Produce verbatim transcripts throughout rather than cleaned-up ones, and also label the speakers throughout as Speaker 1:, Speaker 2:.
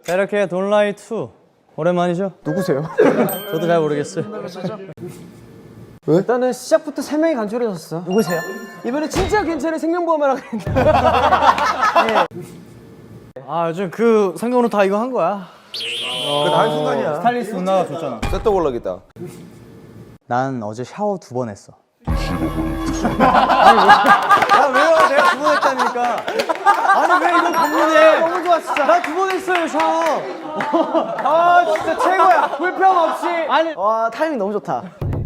Speaker 1: 자, 이렇게 돈라이 투 오랜만이죠?
Speaker 2: 누구세요?
Speaker 1: 저도 잘 모르겠어요.
Speaker 2: 왜? 일단은 시작부터 세 명이 간절해졌어. 누구세요? 이번에 진짜 괜찮은 생명보험을 하고 있는데. 네.
Speaker 1: 아, 요즘 그 상경으로 다 이거 한 거야.
Speaker 3: 그게 다 한순간이야.
Speaker 1: 스타일리스트 누나가 줬잖아.
Speaker 3: 셋도 골라겠다.
Speaker 1: 난 어제 샤워 두 번 했어.
Speaker 4: 그 식어버리겠어.
Speaker 1: 아, 왜요? 내가 두 번 했다니까. 아니, 왜 이거 고민해?
Speaker 2: 너무 좋아 진짜.
Speaker 1: 나 두 번 했어요, 샤워.
Speaker 2: 아 진짜 최고야. 불평 없이. 아니. 와 타이밍 너무 좋다.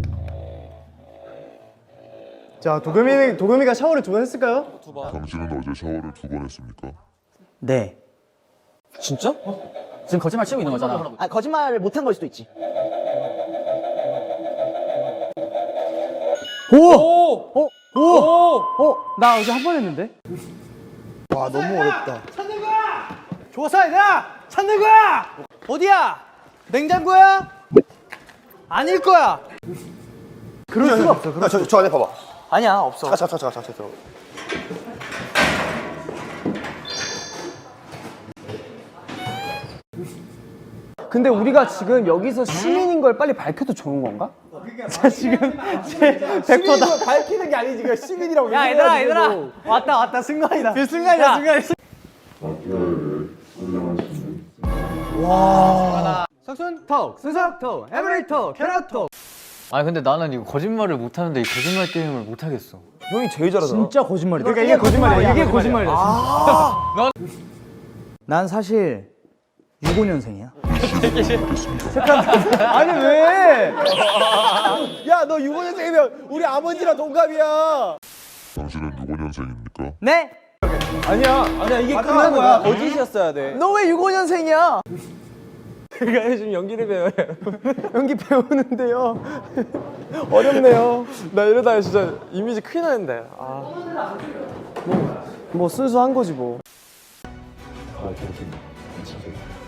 Speaker 5: 자, 도겸이, 도겸이가 샤워를 두 번 했을까요?
Speaker 4: 당신은 어제 샤워를 두 번 했습니까?
Speaker 1: 네.
Speaker 2: 진짜?
Speaker 1: 지금 거짓말 치고 있는 거잖아.
Speaker 2: 아 거짓말을 못한 걸 수도 있지.
Speaker 1: 오! 오! 어? 오! 어? 나 어제 한 번 했는데?
Speaker 5: 와, 너무 어렵다.
Speaker 1: 좋았어, 얘들아! 찾는 거야! 어디야? 냉장고야? 아닐 거야!
Speaker 5: 그럴 수가 없어.
Speaker 3: 야, 저, 저 안에 봐봐.
Speaker 2: 아니야 없어.
Speaker 3: 자, 자, 자, 자, 자, 자, 자.
Speaker 2: 근데 우리가 지금 여기서 시민인 걸 빨리 밝혀도 좋은 건가?
Speaker 5: 자, 지금 제 백 퍼센트
Speaker 2: 밝히는 게 아니지. 그 시민이라고.
Speaker 1: 야, 얘들아, 얘들아! 왔다, 왔다, 승관이다.
Speaker 5: 그 순간이야, 순간이.
Speaker 1: 석순 톡, 수석 톡, 에브리 톡, 캐럿 톡.
Speaker 6: 아니 근데 나는 이거 거짓말을 못하는데 이 거짓말 게임을 못하겠어.
Speaker 3: 형이 제일 잘하잖아.
Speaker 1: 진짜 거짓말이다.
Speaker 5: 그러니까 이게 거짓말이야.
Speaker 1: 이게 거짓말이야. 아 난 사실 육십오 년생이야.
Speaker 5: 아니, 왜?
Speaker 3: 야, 너 육오 년생이면 우리 아버지랑 동갑이야.
Speaker 4: 당신은 육오 년생입니까?
Speaker 1: 네?
Speaker 3: 아니야. 아니야, 이게 끝난 거야. 거짓이었어야 돼.
Speaker 2: 너 왜 육십오 년생이야?
Speaker 3: 제가 요즘 연기를 배워요.
Speaker 5: 연기 배우는데요. 어렵네요. 나 이러다가 진짜 이미지 큰일 나는데. 아. 뭐, 뭐 순수한 거지 뭐.
Speaker 4: 아, 당신 괜찮아요.